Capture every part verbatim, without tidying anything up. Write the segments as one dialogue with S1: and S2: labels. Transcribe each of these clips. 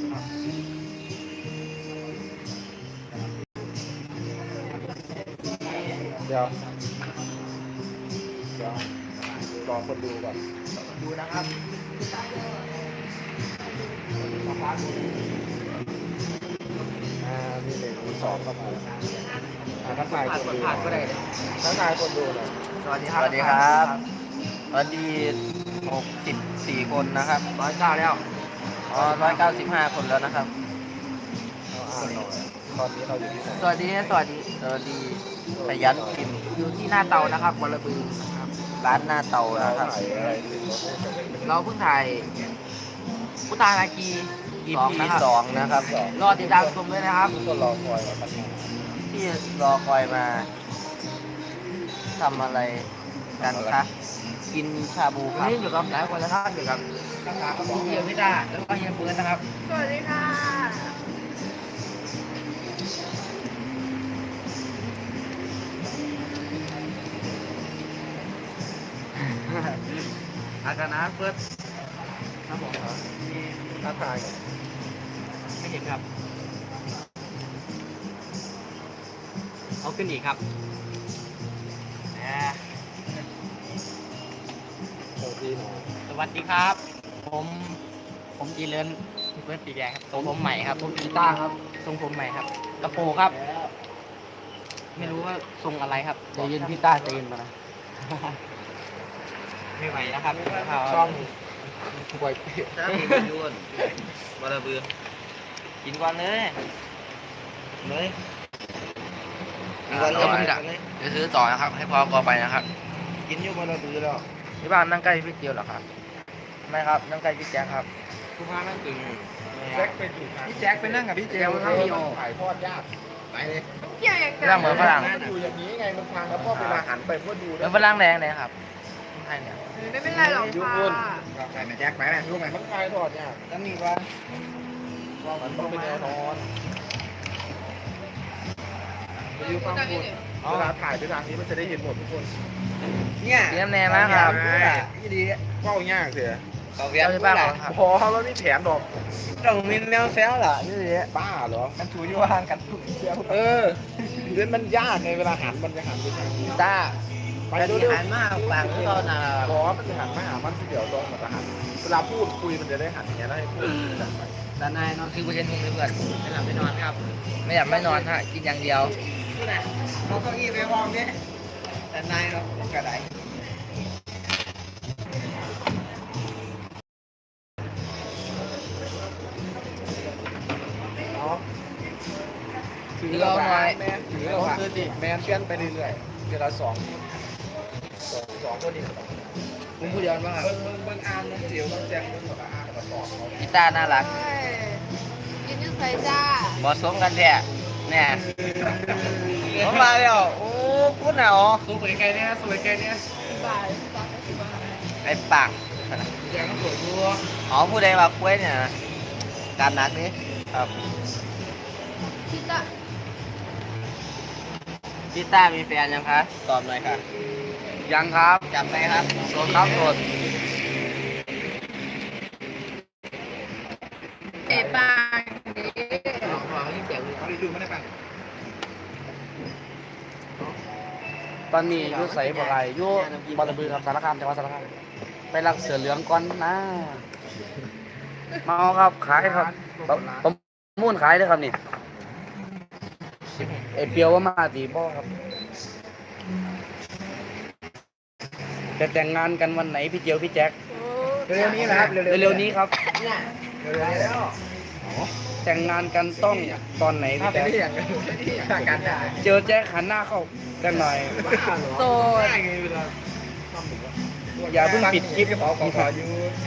S1: เดี๋ยวเดี๋ยวรอคนดูก่อน
S2: ดูนะครับ
S1: อ่ามีหนึ่งมีสองเข้ามาอ่าทักทายคนดู
S2: ผ่านก็ได้
S1: ทักทายคนดูหน่อย
S2: สวัสดีครับ
S3: สวัสดีครับสวัสดีหกสิบสี่คนนะครับ
S2: ร้อยเก้าแล้ว
S3: อ๋อร้อยเก้าสิบห้าคนแล้วนะครับ
S1: เอาอ่านหน่อยตอนนี้เราอยู่ที่ไหน
S2: สวัสดีสวัสดี
S3: สวัสดีขยันกิน
S2: อยู่ที่หน้าเตานะครับบอระบือครับ
S3: ร้านหน้าเตา
S1: เรา
S3: นะครับ
S1: ถ่ายอะไรถึงรถ
S2: เราเพิ่งถ่ายพุทธานาคี
S3: อี
S2: สอง
S3: พี
S2: นะครับ
S3: สองนะครับ
S1: สอง
S2: รอติดตามชมด้วยนะครับ
S1: ทุกคนรอคอยมาตั้งนาน
S3: ที่รอคอยมาทำอะไรกันคะกินชาบูค
S2: วัน
S3: รับ
S2: นี้อยู่กับหลายคนนะครับอยู่กับพี่เฮียพิต้าแล้วก็เฮียเฟิร์นนะครับ
S4: สวัสดีค่ะ
S2: อาการนะเฟิร์นครับผม
S1: ทักทายก่อน
S2: ไม่เห็นครับเอาขึ้นอีกครับแหม
S1: สวัสดีหน่อย
S2: สวัสดีครับ ผมผมจีเลินเฟิร์นปีแดงครับทรงผมใหม่ครับผมกีตาร์ครับทรงผมใหม่ครับกระโปรงครับ ไม่รู้ว่าทรงอะไรครับใจเย็นพี่ต้าใจเย็นมานะไม่ไหวนะครับ
S1: ช่องป่วยเป็ด
S3: ถ้ามียุ่นบาระบือกินก่อนเลยเลยกินก่อนเลยผมจะจะซื้อต่อนะครับให้พอกอไปนะครับ
S1: กินอยู่บนระบือแล้ว
S3: ที่บ้านนั่งใกล้พี่เกียวเหรอครับไม่ครับนั่งใกล้พี่แจ๊คครับ
S2: คุณพานั่งตึง
S1: แจ็คไปถูกทาง
S2: พี่แจ็คไปนั่งกับพี่เจล
S1: มั
S2: ครับพี่โอ
S1: ถ่ายทอดยากไปเลย
S4: เกี่ยวอย่าง
S3: ไม่ต้องเหมือนฝรั่ง
S1: มันอยู่อย่างนี้ไงมันพังแล้วพ่อเวลาหันไปพ่อดู
S3: แล้วฝรั่งแดงเลยครับใช่เนี่ย
S4: ไม่เป็นไรหรอกค่ะ
S1: ใส่แม่แจ็คไปนะรู้ไหมมันถ่ายทอดยาก
S3: แล้วมีว่า
S1: ว่ามันต้องเป็นแนวนอนไปดูฟังพูดเวลาถ่ายไปทางนี้มันจะได้เห็นหมดทุกคน
S3: เนี่ยเลี้ยงแน่นะครับ
S1: ยี่ดีเฝ้ายากเสีย
S3: เขาเวียนที่บ้านครับ
S1: พอแล้วนี่แผนดอก
S3: ต้องมีแนวแซวเหรอนี่สิ
S1: บ้าเหรอ
S3: มันถูอยู่ห่างกันทุกเที่ยว
S1: เออเล่นมันยากไงเวลาหันมันจะหันไปทางนี้
S3: ตา
S1: ไป
S3: แต่
S1: ดู
S3: ที่
S1: ดิ
S3: หันมากปากที่เขาหนา
S1: บอมันจะหันมาหามันเดี๋ยวลงมันจะหันเวลาพูดคุยมันจะได้หันอย่างเงี้ยแล้วให้พูด
S3: ด้านในนอนคือประเทศทุ่งเลยเพื่อนไม่หลับไม่นอนครับ ไม่หลับไม่นอนฮะกินอย่างเดียว
S2: เราเก้าอี้ไปวางเนี่ยแต่นายเรากระได
S1: ถือเราหน่อยแม่ถือเราคือดิแมนเชื่อนไปเรื่อยๆเวลาสองสองสองคนนี้
S3: มึงพูดเดียวบ้างครับ
S1: เบิ้งเบิ้งเบิ้งอ่านน้ำเสียวน้ำแจงเบิ้งแบบอ่านแล้วก็สอนเขา
S3: กีตาร์น่ารัก
S4: ใช่กินอยูใส่จ้า
S3: บอสมกันแท้เนี่ยผมมาแล้วโอ้พูดหนาว
S2: สวยไกลเนี่ยสวยไกลเนี่ย
S4: บ่ายสามสิบห้า
S3: ไอ้ปาก
S2: แจ็คก็สวยดู
S3: อ๋อผู้ใดมาคุยเนี่ยการนักนี่ครับ
S4: พี่ตะ
S3: กีตาร์มีแฟนยังคะตอบหน่อยค่ะยังครับจับไปครับโสดครับโสด
S4: เอปางดี
S2: ลองลองที่เจ๋งเขาดูไม่ได้ป่ะ
S5: ตอนนี้อยูใส่บ่ไรอยูบอระบือครับสารคามจังหวัดสารคามไปรักเสือเหลืองก่อนนะมาเอาครับขายครับประมูลขายเลยครับนี่ไอเปียวว่ามาตีบ่ครับจะแต่งงานกันวันไหนพี่เจียวพี่แจ็ค
S1: เร็วๆนี้นะครับ
S5: เร็วๆนี้ครับ
S1: เร็วๆนี้แล้ว
S5: แต่งงานกันต้องตอนไหนพี่แจ็ค
S1: อย่างอย่างการได้
S5: เจอแจ็คหันหน้าเข้ากันหน่อย
S4: โสด
S1: ได้ไงเวลา
S5: อย่าเพิ่งปิดคลิป
S1: ขอขอขออยู่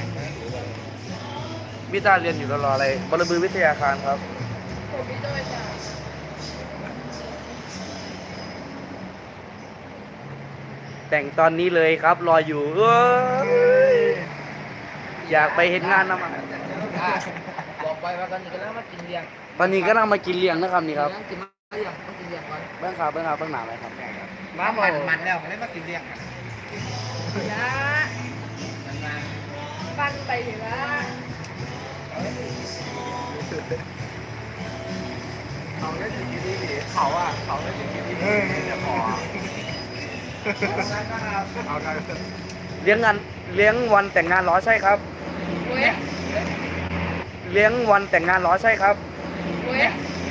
S5: พี่ตาเรียนอยู่รออะไรบรบือวิทยาคารครับ
S4: ผมพี่ด้วยจ้า
S5: แต่งตอนนี้เลยครับ รออยู่เอ้ยอยากไปเห็นงานนะมัน
S2: บอกไปว่าตอนนี้กำลังมากินเลี้ยง
S5: ตอนนี้ก็นั่งมากินเลี้ยงนะครับนี่ครับ
S2: กินมาเลี้ยงต้องกินเลี้ยงก่อน
S5: เบื้องขาเบื้องขาเบื้องหนาเลยครับ
S2: มามันมันแล้วไม่ได้มากินเลี้ยง
S4: นะปันไปถึงละ
S1: เขาได้ถึงที่นี่เขาอ่ะเขาได้ถึงที่นี่จะพอเอาได้
S5: เลี้ยงงานเลี้ยงวันแต่งงานเหรอใช่ครับ
S4: เว้ย
S5: เลี้ยงวันแต่งงานเหรอใช่ครับ
S4: เว้ย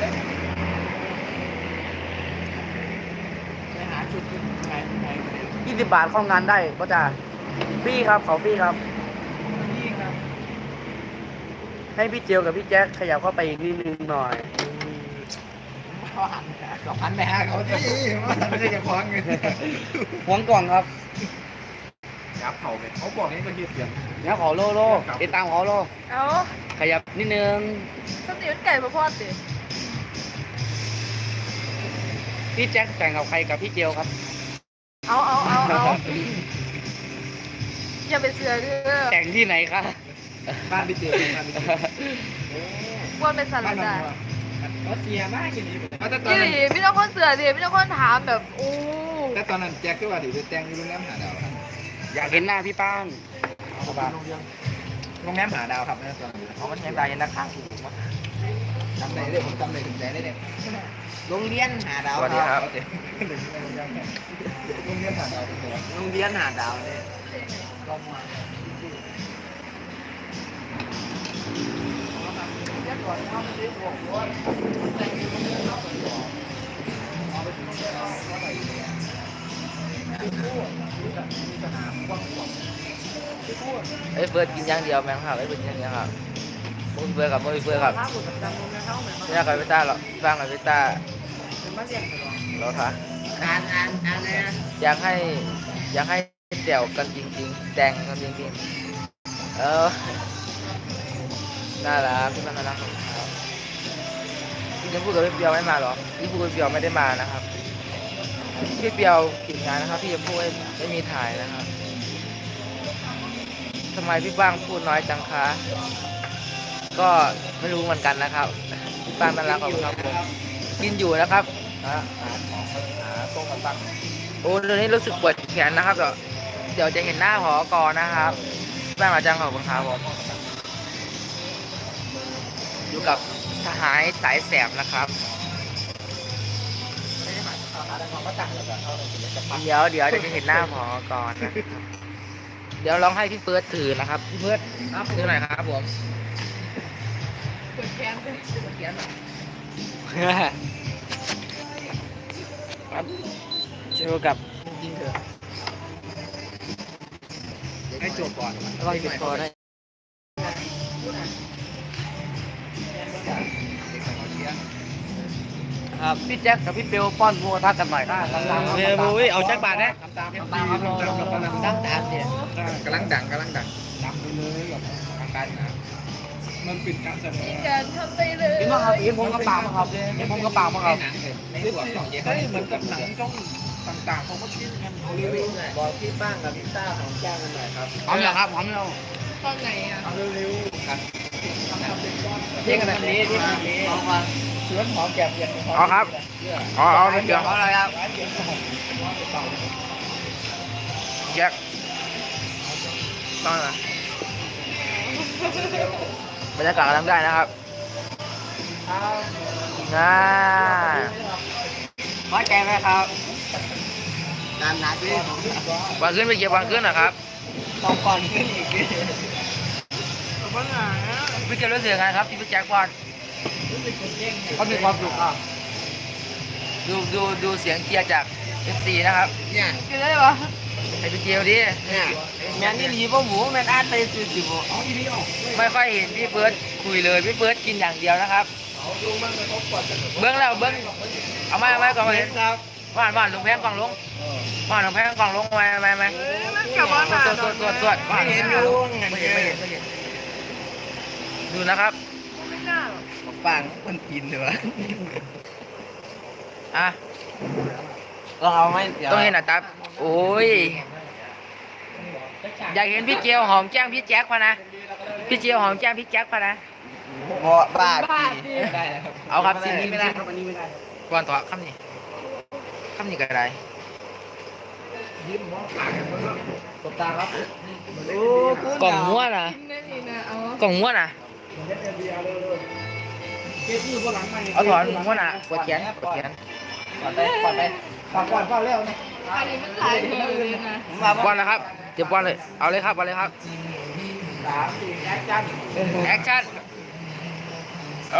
S2: ไปหาจุดไหนไหน
S5: ยี่สิบบาทเข้างานได้ก็จะฟรีครับเขาฟรีครับ
S2: นี่ครับ
S5: ให้พี่เจียวกับพี่แจ๊คขยับเข้าไปอีกนิดนึงหน่อย
S2: เขาหันสองพันไปหาเขาที่
S1: ไม่ใช่แค่คว้างเงิน
S5: หวงกล่องครับ
S1: ยับเขาเลยเขาบอกนี่ก็ยืดเสียง
S5: เดี๋ยวขอโลโลติดตามขอโล
S4: เอา
S5: ขยับนิดนึง
S4: สติมันไก่มาพอดสิ
S5: พี่แจ็คแต่งกับใครกับพี่เจียวครับ
S4: เอาเอาเอาเอาอย่าไปเสือเด้อ
S5: แต่งที่ไหนคะ
S1: บ้านพี่เจอบ้านพี่เจอ
S4: ว่าเป็นสัตว์
S1: บ้าน
S4: ได้
S1: มันก็เสียมากอย่างนี้แต่ตอน
S4: ยี่ห
S1: นั้น
S4: ลีพี่ต้องคนเสือดิพี่ต้องคนถามแบบอู้
S1: แต่ตอนนั้นแจ็คก็ว่าถือเป็นแตงอยู่โรงแรมหาดาว
S5: อยากเห็นหน้าพี่ป้าน
S1: โรงแรมหาดาวครับนะตอนนี้
S2: เขามันยังตายยังนักข่าวถูกมั้ย
S1: จำได้เลยผมจำได้ถึงแสนได้เนี่ย
S2: โรงเรียนหาดาว
S3: สวัสดีครับ
S1: โรงเรียนหาดาวเป็นไง
S2: โรงเรียนหาดาวเนี่ย
S3: เอ้ยเฟิร์สกินอย่างเดียวแมงครับเอ้ยเฟิร์สกินอย่างเดียวครับมุ้ยเฟิร์สกับมุ้ยเฟิร์สครับไม่อยากกับพี่ต้าหรอกสร้างกับพี่ต้าเราค่ะ
S2: อ่านอ่านอ่านเลยนะ
S3: อยากให้อยากให้เดี่ยวกันจริงๆแต่งกันจริงๆเออน่ารักพี่มันน่ารักครับพี่จะพูดกับพี่เปียวไม่มาหรอพี่พูดกับพี่เปียวไม่ได้มานะครับพี่เปียวกินงานนะครับพี่จะพูดไม่ไม่มีถ่ายนะครับทำไมพี่บ้างพูดน้อยจังคะก็ไม่รู้เหมือนกันนะครับพี่บ้างน่ารักขอบคุณครับผมกินอยู่นะครับ
S1: หาหาของหาโต๊ะมาตั้ง
S3: โอ้ตอนนี้รู้สึกปวดแขนนะครับเดี๋ยวเดี๋ยวจะเห็นหน้าผอกอนะครับแม่มาจังขอบคุณครับผมอยู่กับสหายสายแสบนะครับเดี๋ยวเดี๋ยวเดี๋ยวจะเห็นหน้าผอกอนะครับเดี๋ยวลองให้พี่เฟิร์สถือนะครับพี่เฟิร์สถือหน่อยครับผม
S4: ปวดแขนเลยปวดแขน
S3: ครับเจอกับ
S2: จริงเถอะ
S1: ให้จบก่อน
S3: ระวังติดคอได้ครับพี่แจ็คกับพี่เบลป้อนหัวทักกันหน่อยครับเบลบุ้ยเอาแจ็คบาทนะ
S1: ตามตาม
S2: ตามครับรอรอรอดังตามเนี่ย
S1: กำลังดังกำลังดังดังไปเลยแบบทางการนะมันปิดการแสด
S4: มี
S1: ง
S4: การทำไปเลย
S5: กินมาครับกินผมกระเป๋ามาครับกินผมกระเป๋ามาครับ
S1: หนังในส่วนของเฮ้ยเหมือนกับหนังช่องต่างๆเขาก็ชิ้นกันเอาเร็วๆบอกพี่ป้างกับพี่ต้าของแจ้งกันหน่อยครับ
S5: หอมเหรอครับหอมเหรอ
S4: ตอนไหนอ่ะ
S1: เอาเร็วๆกันทำเป็นก้อน
S2: เที่ยงกันแบบนี้ที่แบบนี้เอามา
S1: เชื้อหอมแก้มเย็น
S3: เอาครับเอาเอาไปเดี๋ยว
S2: เอาอะไรครับ
S3: แจ็คต้องนะบรรยากาศกำลังได้นะครับน่า
S2: พอใจไหมครับนานนักเลย
S3: วางขึ้นไปเก็บวางขึ้นนะครับ
S2: ต้องก่อนขึ้นอีก
S3: พี่เก็บรู้สึกยังไงครับที่พี่แจ็คบอล
S5: เขามีความสุขอ่ะ
S3: ดูดูดูเสียงเชียร์จาก เอฟ ซี นะครับ
S2: เนี่ย
S4: กินได้ปะ
S3: ให้พี่เจียวดิ
S2: เนี่ยแมนนี่หลีบ่หมูแมนอาร์ตไปซื้อสิบ่
S3: ไม่ค่อยเห็นพี่เฟิร์สคุยเลยพี่เฟิร์สกินอย่างเดียวนะครับเบื้องแล้วเบื้องเอาไม้เอาไม้ก่อนมาเห็น
S2: ครับ
S3: ว่านว่านลงแพงกล่องลงว่านลงแพงกล่องลงมาไหมไหม
S4: มันกลับมาหา
S3: ตรวจตรวจตรวจ
S2: ไม่เห็นอยู่
S3: ไม่เห็นไม่เห็นไม่เห็นดูนะครับ
S4: ไม่น่าหรอก
S2: ปังมันกินเลยวะ
S3: อ่ะ
S2: เราเอาไหม
S3: ต้องเห็นหน้าตาโอ้ยอยากเห็นพี่เจียวหอมแก้มพี่แจ็คพะนะพี่เจียวหอมแก้มพี่แจ็คพะนะ
S2: บ่บ้า
S4: บ้า
S2: จี
S4: ดิ
S2: ได้แล้วครับ
S3: เอาครับสิ่งนี้
S2: ไม่ได้ครับอันนี้ไม่ได้
S3: ก่อนต่อคำนี้คำนี้ก็ได้
S1: ตบตาครับ
S2: โอ้คุณ
S3: กล่องหัวนะ
S4: กินได้ดีนะเอา
S3: กล่องหัวนะ
S1: ก็บมือพวกหลังใหม่
S3: เอาถอนหัวหน้าปวดแขนปวดแขน
S1: ก่อนไปก่อนไปก่อนก่อนก่อนเร็วนะ
S4: อันนี้มันถ่ายเธอเลยนะ
S1: ผมมา
S3: บอลนะครับเจ็บบอลเลยเอาเลยครับเอาเลยครับ
S1: สามสี่แอคชั่น
S3: แอคชั่นโอ้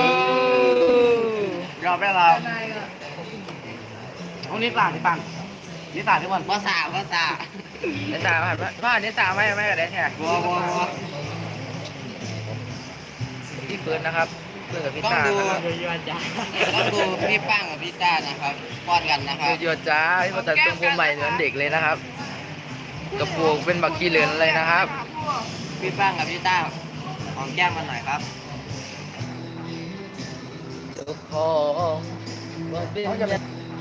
S5: ยอมได้เรา
S4: นายก็
S5: ห้องนี้กลางที่ปังนี่ต่างที่บอล
S2: ภาษาภาษา
S3: เนสาผ่านผ่านเนสาไม่ไม่กับเดนแท้
S5: บัวบัวบัว
S3: พี่เฟิร์นนะครับเฟิร์นกับพี่
S2: ต้อง
S3: ตา
S2: ดู
S3: นะครับ
S2: ต้องดูพี่ป้างกับพี่ต้านะครับป้อนกันนะครับ
S3: เยอะๆจ้าพี่มาตัดทรงผมใหม่เหมือนเด็กเลยนะครับกระโปรงเป็นบักกี้เหลือนเลยนะครับ
S2: พี่ป้างกับพี่ต้าหอมแก้มมันหน่อยครับ
S3: เจ้าของว่าเป็นเจ้า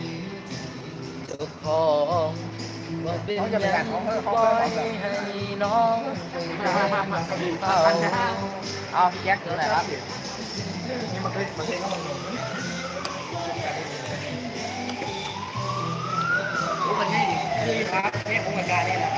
S3: ของว่าเป็นยังปล่อยให้น้องเอา
S5: เอาพี่แจ็คคืออะไรครับ
S1: นี่มันคือมันคือเขาบอก
S2: รู้กันง่ายดิคือครับนี่ผมกับการนี่แหละ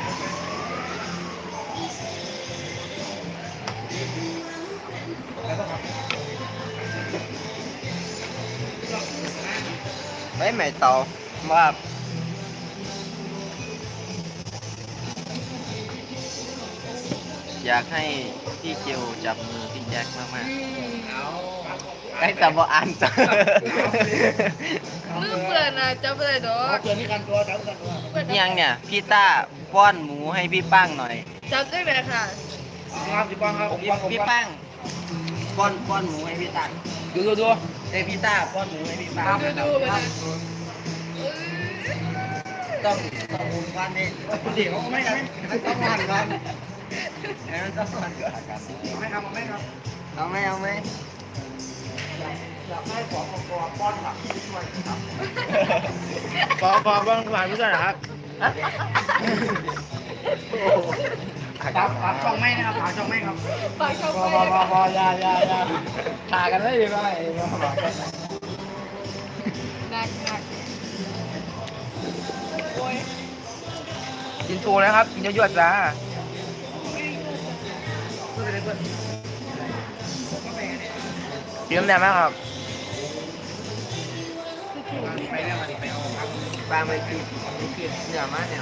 S3: ไม่ใหม่เตาว่า
S2: อยากให้พี่เจลจับมือพี่แจ็คมาก
S3: ไอ้ตาบอ่านจ้ะ
S4: ลืมเปลือกนะจะเปลือกดอก
S1: เกิดที่กันตัวจับกันตัว
S2: ๆยังเนี่ยพี่ต้าป้อนหมูให้พี่ป้างหน่อย
S4: จับได้ไหมค่ะ
S1: ครับพี่ป้องครับผม
S2: พี่
S1: ป้องผม
S2: พี่ป้างป้อนป้อนหมูให้พี่ต้า
S3: ดูดูดู
S2: เอ้ยพี่ต้าป้อนหมูให้พี่ป้าง
S4: ดูดูไปนะ
S2: ต้องต้องหมุนควันนี่
S1: เดี๋ยวไม่ไม่ไม่ต้องงานครับ
S2: ให้มันต้องควันก่อน
S1: ไม่ครับไม่ครับ
S2: เอาไหมเอาไหม
S1: อยากให้ของตัวป้อนหลักที่ช่วยครับ
S3: ขอขอบ้างผ่านผู้ช่วยนะครับ
S1: ครับครับช่องไม่นะครับหาช่องไม่ครับ
S4: ปากเข้า
S1: พอ
S4: ไป
S1: พอพอพอยายายาถ่ากันได้ยังไง
S4: หนักหนักโอ้ย
S3: กินโชว์เลยครับกินเยอะๆจ้ากินน้ำแดงไหมครับ
S1: ไปแล้วมาดิไปเอาครับ
S2: ป้างไปคิดไปคิดเหนือมากเนี่ย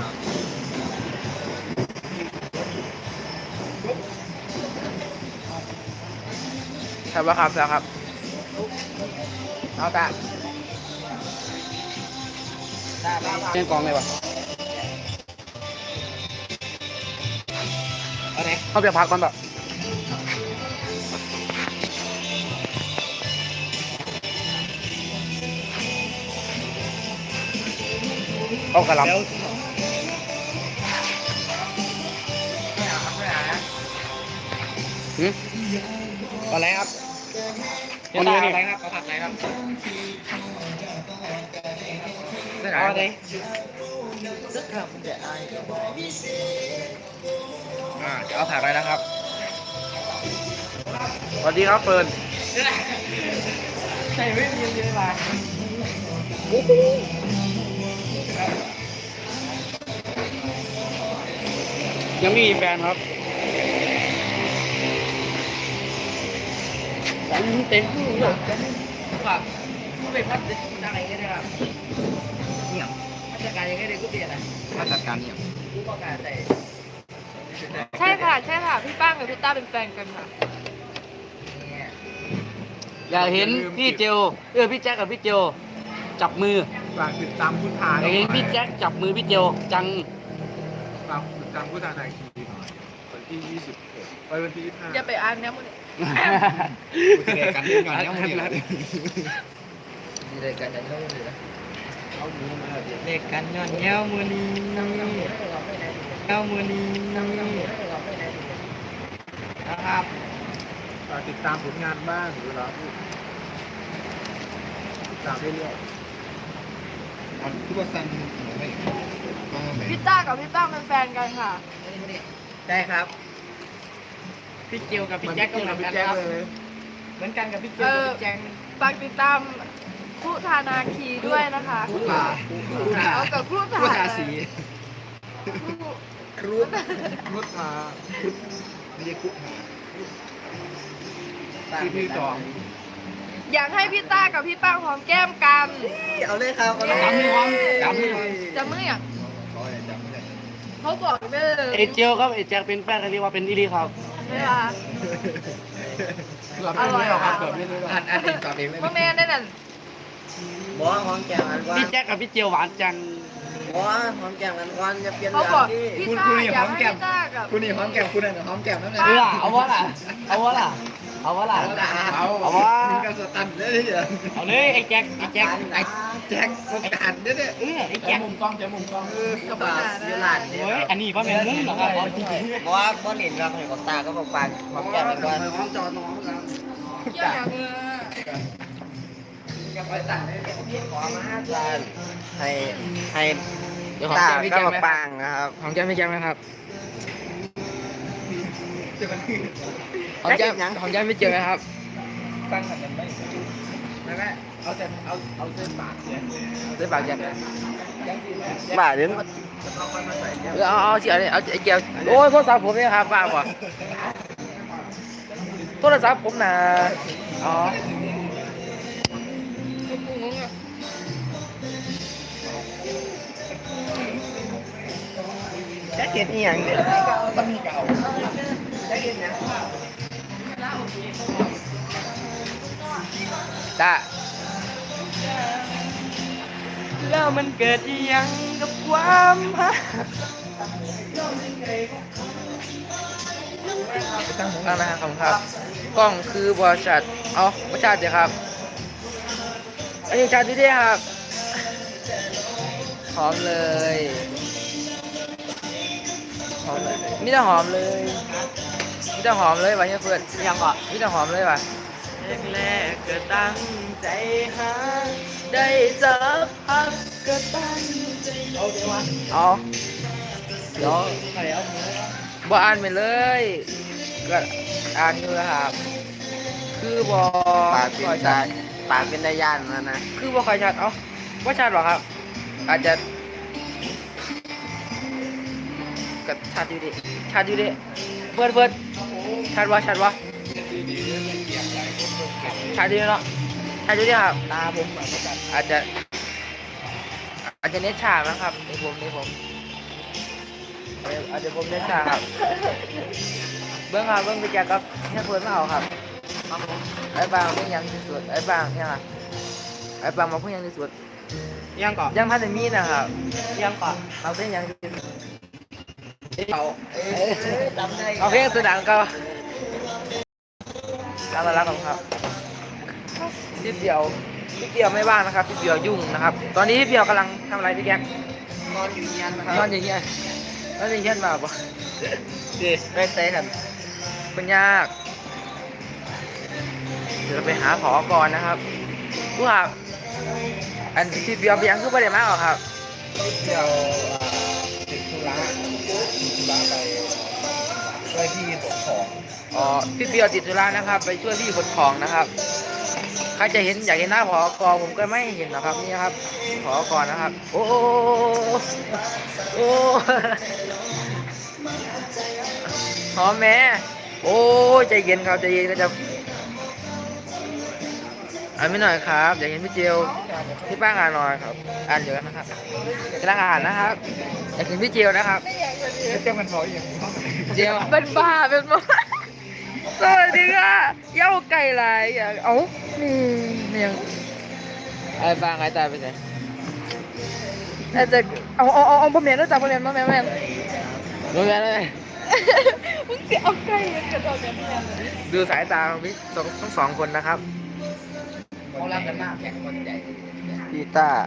S3: ครับว่าครับแล้วครับ
S2: เอาตาตาไป
S5: เล่นกองเลยวะ
S2: เอาไหน
S5: เขาเปียกพักก่อนแบบเอากระหลำหืม
S1: อะไรครับ
S5: วันนี้นี่
S1: อะไรครับเขาผัดอะไรครับ
S2: เอาไหน
S3: อ่าเดี๋ยวเอาผักเลยนะครับ สวัสดีครับเฟิร์น
S2: ใส่ไม่มีเยอะมา
S5: ยังไม่มีแฟนครับเต็มที่เลย
S2: ครับผู้เป็นพัฒนาอะไรกันนะครับเนี่ยมาตรการยังไงเด็กกูเปลี่ยนอ่ะ
S3: มาจัดการเนี่ย
S2: ผู้ประกาศใส่
S4: ใช่ค่ะใช่ค่ะพี่ป้างกับพี่ต้าเป็นแฟนกันค่ะ
S2: เนี่ย
S5: อยากเห็นพี่เจลเออพี่แจ็คกับพี่เจลจับมือ
S1: ฝากติดตามคุณทา
S5: อยากเห็นพี่แจ็คจับมือพี่เจลจัง
S1: ฝากติดตามคุณทาในทีหน่อยวันที่ยี่สิบเอ็ดไปวันที่ยี่สิบห้า
S4: อย่าไปอ่านนะมึง
S1: แสดงกันเรื่องงานเนี่ยมึงเนี่ย
S3: มีรายการจะเล่าเลยนะ
S1: เอาหมูมาเดี๋ยว
S2: เด็กกันย้อนเย้ามือนี้เย้ามือนี้นะครับ
S1: ฝากติดตามผลงานบ้างเวลาพูดติดตามเรื่อยๆทุกวันไม่
S4: พี่ต้ากับพี่ป้างเป็นแฟนกันค่ะ
S2: ได้ครับ พี่เจียวกับพี่แจ็คก็เหมือนกันครับ เหมือนกันกับพี่เจียวกับพี่แจ็ค
S4: ฝากติดตามคุธานาคีด้วยนะคะ
S1: ผู้ขา
S4: เอากับคุธา
S1: ผู้ขาสี
S4: คุ
S1: ครุฑครุฑมาครุฑไม่ใช่ครุฑมาที่พี่จอง
S4: อยากให้พี่ต้ากับพี่ป้างหอมแก้มกัน
S1: เอาเลยครับเอาเลย
S5: จำไม่ความจำไม่ความ
S4: จะเมื่อย
S1: เขาเนี่ยจำไม่ได้
S4: เขาบอกไม่ได้เลย
S5: เอเจลครับเอเจลเป็นแฟนกันเรียกว่าเป็นอีลีครับ
S4: เวลา
S5: เราไม่รู้หรอกครับแบบไม่รู้หรอก
S1: อ่านอ่านเองตอบเองเลย
S4: พ่อแม่ได้นั่น
S1: บอกว่าหอมแก้มอันว่า
S5: พี่แจ็คกับพี่เจลหวานจัง
S1: บอกว่าหอมแก้มอันวันจะเปลี่ยน
S4: เขา
S1: เรื่
S4: บอก
S1: องที่
S4: พี่
S1: คุณ
S4: ต้า
S1: คุณนี่
S4: อ
S1: ห
S4: ยา
S1: อก ม
S4: ให้
S1: แก้ม
S4: พี่ต้ากับ
S1: คุณนี่หอมแก้มคุณนั่นหอมแก้มนั่นแหละ
S5: เออเอาวะล่ะเอาวะล่ะเอาวะล่ะ
S1: เอา
S5: เอาวะ
S1: มึงก็สตันเลยเหรอ
S5: เอาเลยไอ้แจ็คไอ้แจ็ค
S1: ไอ้แจ็คโอกาสเนี่ยเนี่ย
S5: เออไอ้แจ็คมุมกล้องแจ็คมุมกล้อง
S1: เออกับยูลานเนี่ย
S5: เฮ้ยอันนี้ก็เป็นมุ้งเหรอครับเอาจริง
S1: บอกว่าบอลเห็นครับเห็นกับตาก็บอกปากหอมแก้มเป็นวัน
S5: ๆจอดน้องกัน
S4: เกี่ยวอย่างเออ
S1: กับไปตัดเลยขอมาห้าจานให้ให้
S2: เดี๋ยวหอม
S1: ตา
S2: แก้มพี่
S1: ก็
S2: แจ็ค
S1: บอก
S2: ไหม
S1: ปังนะครับ
S2: หอมแก้มพี่แจ็คไหมครับหอมแก้มหอมแก้มพี่เจอไหมครับ
S1: ตั้งกันยังไม่ไม่ไม่เอาเส้นเอาเอาเส้นปากเนี่ย
S2: ได้ปากแจ็ค
S1: บ่าเดี๋ยว
S2: เอาเอาเสียเลยเอาไอ้เจียวโอ้ยโทรศัพท์ผมเนี่ยครับบ้าป่ะโทรศัพท์ผมนะอ๋อ
S4: งงอ่ะ
S1: แจ็คเก็ตอีหยังเนี่ยต้องมีเก่าแจ็คเก็ตเนี่ย
S2: ได้แล้วมันเกิดอีหยังกับความฮักตั้งนะครับครับกล้องคือบริษัทเอาบริษัทเดี๋ยวครับอันนี้ชัดดีดีครับหอมเลยหอมเลยมีแต่หอมเลยมีแต่หอมเลยวะเนี่ยเพื่อนยังอ่ะมีแต่หอมเลยวะแรกๆก็ตั้งใจหาได้เจอพักก็ตั้งใจเอาเดี๋ยวเอาเดี๋ยวบ่อ่านไปเลยก็อ่านอยู่ครับคือบ่
S1: ปากเป็นตาปากเป็นตาย่านแล้วนะ
S2: คือบ่ค่อยชัดเอ้าบ่ชัดหรอครับ อาจจะก็ชัดอยู่ดิชัดอยู่ดิเฟิร์ดเฟิร์ดชัดวะชัดวะชัดอยู่เนาะชัดอยู่ดิครับตาผมอาจจะอาจจะเน็ตช้านะครับในผมในผมอาจจะผมเน็ตช้าครับเบิ้งครับเบิ้งไปแจกครับเนี่ยเฟิร์ดมาเอาครับไอ้บางเพิ่งยังที่สุดไอ้บางเนี่ยนะไอ้บางมาเพิ่งยังที่สุด
S5: ยังก่อน
S2: ยังพันแต่มีนะครับ
S5: ยังก่อน
S2: มาเพิ่งยังที่สุด
S5: เอา
S1: จำได้
S2: โอเคสุดดังก็ตามมาแล้วครับพี่เดียวพี่เดียวไม่ว่างนะครับพี่เดียวยุ่งนะครับ ตอนนี้พี่เดียวกำลังทำอะไรพี่แก๊ก
S1: นอนอยู่เงียนนะครั
S2: นอนอย่างเงี้ยนอนอย่างเงี้ยมาปะ
S1: ดีไปเตะกัน
S2: เป็นยากเดี๋ยวเราไปหาผอก่อนนะครับผู้หาอันพี่เดียวไปยังคือประเดี๋ยวมากหรอครับ
S1: เที่ยวติดธุระติดธุระไปช่วยพี่ขนของ
S2: อ๋อพี่เดียวติดธุระนะครับ ไปช่วยพี่ขนของนะครับใครจะเห็นอยากเห็นหน้าผอกอผมก็ไม่เห็นหรอกครับนี่ครับผอกอนะครับ โอ้โอ้โอ้หอมแม่โอ้ใจเย็นครับใจเย็นก็จะอ่านไม่หน่อยครับอยากเห็นพี่เจลพี่ป้างอ่านหน่อยครับอ่านเยอะนะครับกำลังอ่านนะครับอยากเห็นพี่เจลนะครับ
S1: เจ้ามันบอกอย่างนี้
S2: เจล
S4: เป็นบ้าเป็นบ้า
S2: สวัสดีค่ะเย้าไก่ลายอย่าเอ้านี่นี่ยังไอ้ฟางไอ้ตายไปไหนอาจจะเอาเอาเอาเอาพ่อแม่รู้จักพ่อแม่พ่อแม่พ่อแม่รู้แม่เลย
S4: มึงจะเอาไก่มันกระโดดกันแทนเลย
S2: ดูสายตาของพี่สองทั้งสองคนนะครับ
S1: เขารักกันมากแข่งคนใหญ่พี่ต้า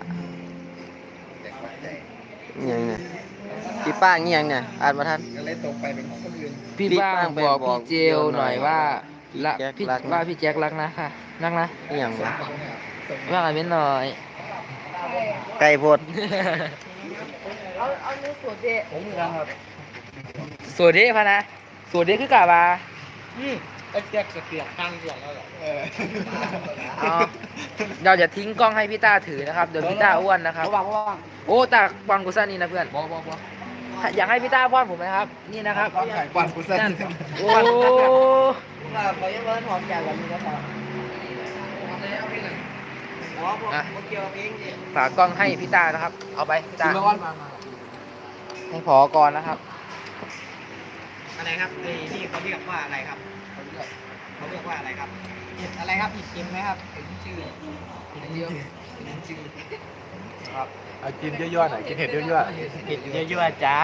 S1: เงี้ยเนี่ยพี่ป้าเงี้ยเนี่ยอ่านมาทันก็เลยตรงไปเป็นของคนอื่น
S2: พี่
S1: พี่
S2: บ้าง
S1: บ้างไป
S2: บอก
S1: บอก
S2: พี่เจลหน่อยว่าละ
S1: แจ็ค
S2: พี่
S1: รักนะ
S2: ว่าพี่แจ็ครักนะค่ะรักนะ
S1: เงี้ยงวะ
S2: ว่าอะไรนิดหน่อย
S1: ไก่พด
S4: เอาเอาเนื้อสดเดะ
S5: ผมเหมือนกันครับ
S2: สวัสดีพะนะสวัสดีคือกาบา
S5: อืมไอ้แจ็คเสียงตั้งเสียงแล้วเหรอ
S2: อ๋อเราจะทิ้งกล้องให้พี่ต้าถือนะครับเดี๋ยวพี่ต้าอ้วนนะครับ
S5: ระวังระวัง
S2: โอ้ตาบอลกูซ่านี่นะเพื่อน
S5: บอกบอกบอก
S2: อยากให้พี่ต้าป้อนผมนะครับ นี่นะครับ
S1: กวนกูสั่น
S2: นั่นโอ้
S1: เราไปยังเบิ้ลหอมแก้มกันนี่นะครับ
S3: อ่ะฝากกล้องให้พี่ตานะครับ เอาไปพี่ตา
S5: เมื่อวันมามา
S3: ให้พอก่อนนะครับ
S2: อะไรครับไอ้นี่เขาเรียกว่าอะไรครับเขาเรียกว่าอะไรครับเห็ดอะไรครับเห็ดเค็มไหมครับเห็ดชื่อเห็ดเยอะเห็ดชื่อครับ
S1: เอากินเยอะๆหน่อยกินเห็ดเยอะ
S2: เห็ดเยอะๆจ้า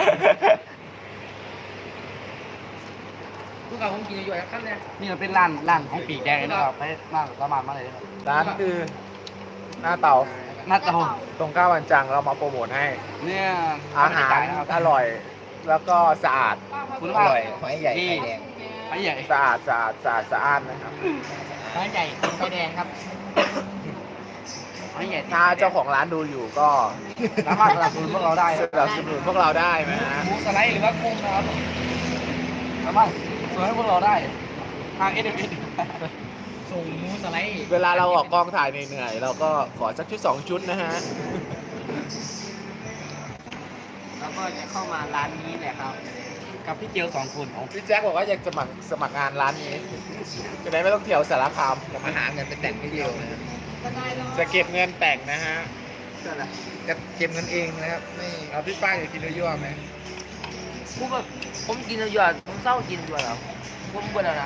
S3: พวกเราผมกินอยู่ๆขั้นเลย
S5: นี่เราเป็นร้านร้านของปีกแดงนะครับไปมาประมาณมาเลยนะครับ
S1: ๆร้านคือหน้าเตา
S5: หน้าเตา
S1: ตรงข้าววันจังเรามาโปรโมทให้
S5: เนี่ย
S1: อาหาร
S5: นะครับ
S1: อร่อย แล้วก็สะอาด
S5: คุณ
S1: อ
S5: ภาพ
S1: ร่อย
S2: หอยใหญ่
S5: นี่
S2: ไข่แดง
S5: ไอ้ใหญ่
S1: สะอาดสะอาดสะอาดสะอาดนะครับ
S2: หอยใหญ่ไข่แดงครับ
S5: ไอ้ใหญ่
S1: ถ้าเจ้าของร้านดูอยู่ก็
S5: สามารถสนับสนุนพวกเราได้
S1: สนับสนุนพวกเราได้นะฮะ
S5: หมูสไลด์หรือว่ากุ้งนะครับสามารถสนับสนุนให้พวกเราได้ทางเอสเอ็มเอส
S2: ส่งหมูสไลด์
S1: เวลาเราออกกองถ่ายเหนื่อยๆเราก็ขอสักชุดสองชุดนะฮะ
S2: แล้วก็จะเข้ามาร้านนี้แหละครับ กับพี่เจียวสองคนของ
S1: พี่แจ็คบอกว่าอยากสมัครสมัครงานร้านนี้จะได้ไม่ต้องเที่ยวสารคาม
S2: มาหาเงินไปแต่งพี่เดียวนะ
S1: จะเก็บเงินแต่งนะฮะ
S2: จะเก็บเงินเองนะครับไม่
S1: เอาพี่ป้าอยากกินเยอะๆไหม
S3: ผมแบบผมกินอยู่ๆผมเศร้ากินอยู่แล้วผมเบื่อแล้วนะ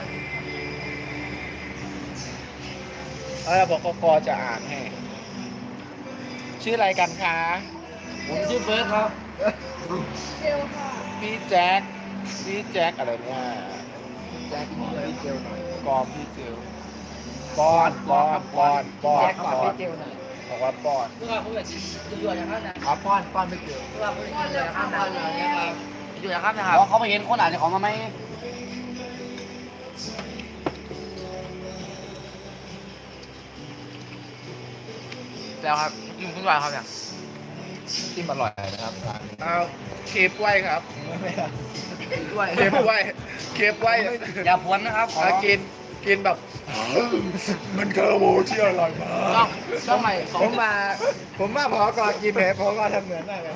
S1: เออบอกกกจะอ่านให้ ชื่ออะไรกันคะ
S5: ผมชื่อเฟิร์สครับ
S4: เจลค่ะ
S1: พี่แจ็คพี่แจ็คอะไรเนี่ยแจ็คพี่เจลหน่อยกอมพี่เจลปอนปอนปอนปอน
S2: แจ็ค
S1: ป
S2: ก่อน
S1: อน
S2: พี่เจียวหน่อย
S1: บอกว่าปอน
S3: พวกเราผมแบบอยู่ๆอย่างนั้นนะ
S1: อ๋อปอนปอนไม่เจอ
S3: พวกเราผมอยู่อย่างนั้นนะครับอยู่อย่างนั้นนะครับ
S5: เพราะเขาไปเห็นคนอ่านของมาไหม
S3: แล้วครับกินคุณวายครับเนี่ย
S1: ที่อร่อยนะครับร้านนี้เอาเคฟไว้ครับ
S3: ด้วย
S1: เคฟไว้เคฟไว้
S5: อย่าพวนนะครับขอ
S1: เอากินกินแบบ มันเคอร์โบที่อร่อยมาก
S3: ช่องใหม่สอง
S1: ผมมา ผมมาพอก่อนกินเพพอก่อนทำเหมือนมากเลย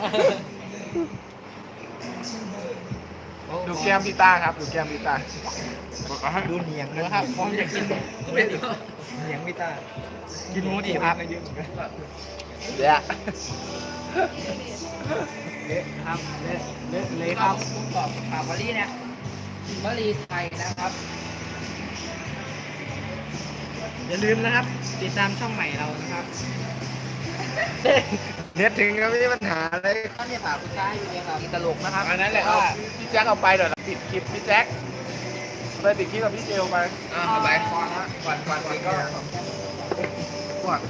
S1: ดูแก้มพี่ต้าครับ ดูแก้มพี่ต้า
S2: ดูเหนียงนะครับผมอยากกินเป็นเหนียงพี่ตากินหมูดีครับ
S1: เดี๋ยว
S2: เละครับเละเละเลยครับผมบอกฝากวลีเนี่ยวลีไทยนะครับ อย่าลืมนะครับ ติดตามช่องใหม่เรานะครับ
S1: เน็ตถึงก็ไม่มีปัญหาเลย
S2: ตอนนี้ฝากคุณชายอยู่เนี่ยครับตลกนะครับ
S1: อันนั้นแหละเอาพี่แจ็คเอาไปเดี๋ยวเราปิดคลิปพี่แจ็คไปปิดคลิปกับพี่เจลไป
S2: อ่าไปก่อนนะก่อนก่อนก่อนก็ก่อน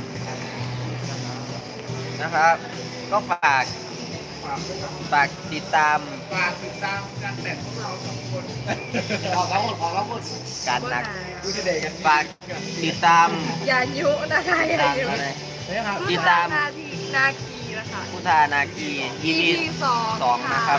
S3: นะครับ ก็ฝากฝากติดตาม
S1: ฝากติดตามการแต่งพวกเราสองคน
S5: ขอเราคนขอเราคน
S3: การนัก
S1: ดูสิเด็กกัน
S3: ฝากติดตาม
S4: อย่ายุนะคะอย่า
S3: ตาม
S4: ยุ
S3: อะไร
S1: นะครับ
S3: ติดตาม
S4: นาทีนาคีนะคะ
S3: พุทธานาคี อี พี
S4: สอง
S3: สองนะครับ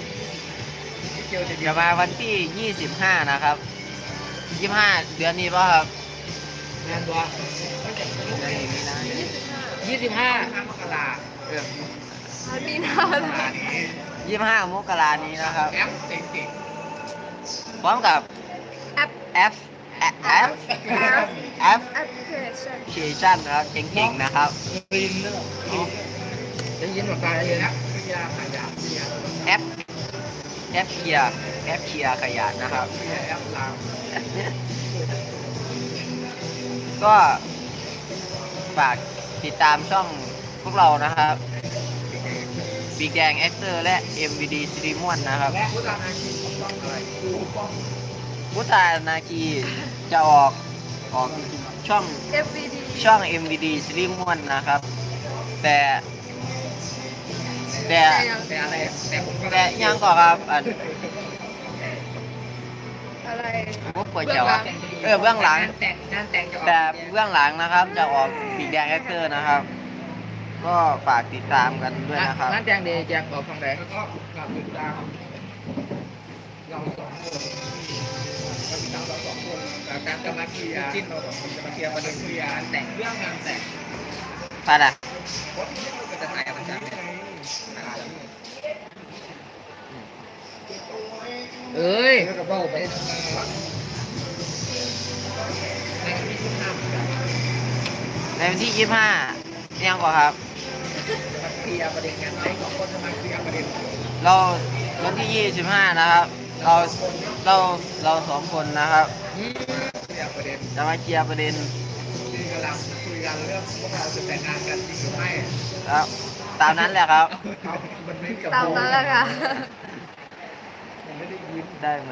S3: จะมาวันที่ยี่สิบห้านะครับยี่สิบห้าเดือนนี้ป่ะครับ
S2: งานตัว
S3: เดือนนี้มีนา
S4: ยี่สิบห้า
S2: ยี่สิบห้ามกรา
S3: เออ
S4: มีนาแล้ว
S3: ยี่สิบห้ามกรานี้นะครับ
S2: แอปเจ๋ง
S3: พร้อมกับ
S4: แอป
S3: แอปแอปแอปแอป
S4: แอปพลิเคชัน
S3: เคชันนะครับเก่งๆนะครับ
S2: ๆรินเนอร์ได้ยินหมดตาเลยนะพิยาขายาพิยา
S3: แอปแอปเคลียร์แอปเคลียร์ขยะนะครับ
S2: แอปลาว
S3: ก็ฝากติดตามช่องพวกเรานะครับปีกแดงแอคเตอร์และ เอ็ม วี ดี ซีรีมอนนะครับ
S2: และพุทธานาคีต้องอะไรดูกล้อง
S3: พุทธานาคีจะออกออกช่อง
S4: เอฟวีดี
S3: ช่อง เอ็ม วี ดี ซีรีมอนนะครับ แต่แต่
S2: แต่อะไรแต่ผมก็
S3: แต่ยังก่อนครับอัน
S4: อะไร
S3: มุกก๋วยเตี๋ยวอะเออเบื้องหลัง
S2: แต่งงานแต่งจะออก
S3: แต่เบื้องหลังนะครับจะออกปีกแดงแอคเตอร์นะครับ ก็ฝากติดตามกันด้วยนะครับ
S2: งานแต่งเดย์แจกออกทางไหนแล้วก็ฝากติดตามเราสองคนเราติดตามเราสองคนการจะมาเคลียร์จิ้นเราสองคนจะมาเคลียร์ประเด็นเคลียร์งานแต่งเรื่องงานแต่ง
S3: ไปละ
S2: คนที่เราจะถ่ายกันจากเอ้ยก็เบ้าไปในมีทุกห้ามกันในวันที่ยี่สิบห้ายังกว่าครับ
S1: เคลียร์ประเด็นกันไหมสองคนจะมาเคลียร์ประเด็น
S2: เราวันที่ยี่สิบห้านะครับ เราเราเราสองคนนะครับ
S1: เคลียร์ประเด็น
S2: จะมาเคลียร์ประเด็น
S1: คือกำลังคุยกันเรื่องพวกเราจะแต่งงานกันจริงหรือไม่
S2: ครับ ตามนั้นแหละครับ
S1: เอามันไม่กับ
S4: ตามนั้นแหละค่ะ
S1: ผมไม่ได้ยิน
S2: ได้ไหม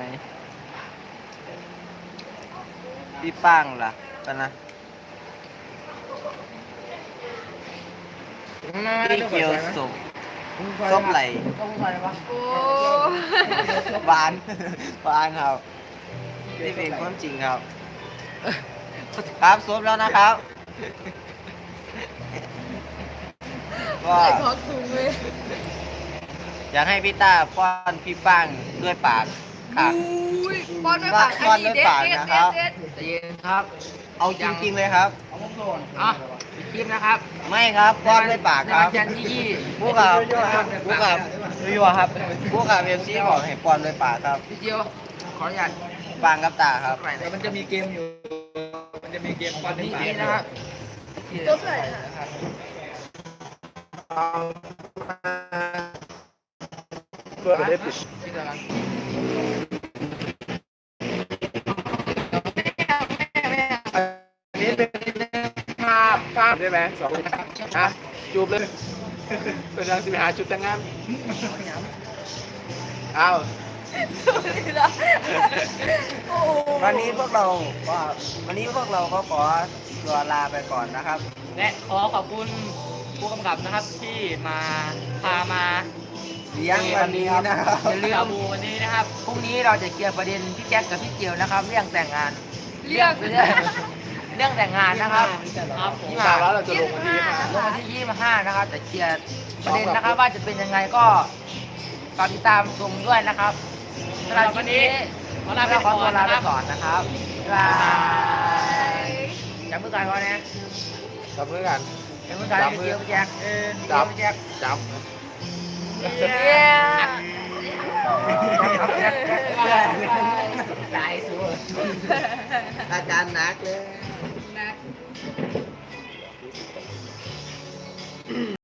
S2: พี่ป้างล่ะกันนะพี่เกียวสุกส้มไหล
S5: ต้องใส่ปะ
S4: โอ้
S2: บาน บานครับนี่เป็นความจริงครับ ครับซบแล้วนะครับก็
S4: ใส่คอกสูงเลย
S2: อยากให้พี่ต้าป้อนพี่ป้างด้วยปากค่ะ
S4: อุ้ยป้อนด้วยปาก
S2: ป้อนด้วยปากนะครับ
S4: เด็ด
S2: ใจเย็นครับ เอาจริงๆเลยครับ
S5: เอาผมโดน
S2: อ่ะคลิปนะครับ ไม่ครับป้อนด้วยปากครับ
S3: ในวันจันทร์ที่ยี่
S2: ผู้กับผู้กับวิวครับผู้กับเอฟซีบอกให้ป้อนด้วยปากครับ
S3: พี่เจียวขออนุญาต
S2: ปางกับตาครับ
S3: ไปไหน
S1: แต่มันจะมีเกมอยู่ มันจะมีเกมบอล
S3: นี่
S1: ที่
S3: นี่นะครับ
S4: ตัวใส่ค่ะ
S1: เพื่อได้ปิด
S3: พี่ตะลัง
S1: อันนี้เป็นภาพภาพได้ไหมสองฮะจูบเลยเป็นทางสิไปหาจุดแต่งงานอ้าว
S4: โอ้
S2: วันนี้พวกเราก็วันนี้พวกเราก็ขอตัวลาไปก่อนนะครับ และขอขอบคุณผู้กำกับนะครับที่มาพามา
S1: เลี้ยงวันนี้นะครับ
S2: อย่าลืมดูวันนี้นะครับ
S3: พรุ่งนี้เราจะเคลียร์ประเด็นพี่แจ็คกับพี่เจียวนะครับ เรื่องแต่งงาน
S4: เรียก
S3: เรื่องเรื่องแต่งงานนะครับ
S2: ครับผม
S1: ยี่สิบห้าแล้วเราจะลงวันที่ยี่สิบห้า
S3: ลงวันที่ยี่สิบห้านะครับแต่เคลียร์ประเด็นนะครับว่าจะเป็นยังไงก็ฝากติดตามชมด้วยนะครับสำหรับคลิปนี้
S2: ขอลาไป
S3: เราข
S2: ก่
S3: อ
S2: อน
S3: ตัวลาไป
S2: นะครับ
S3: ก่อนนะครับบ๊ายบายจับมือกันก่อนนะ
S1: จับมือกัน
S3: จับมือกันพี่เจียวพี่แจ็คเออพี่เจียวพี่แจ็ค
S1: จับ
S4: เย้
S3: ตายสุด
S2: อาการหนักเลย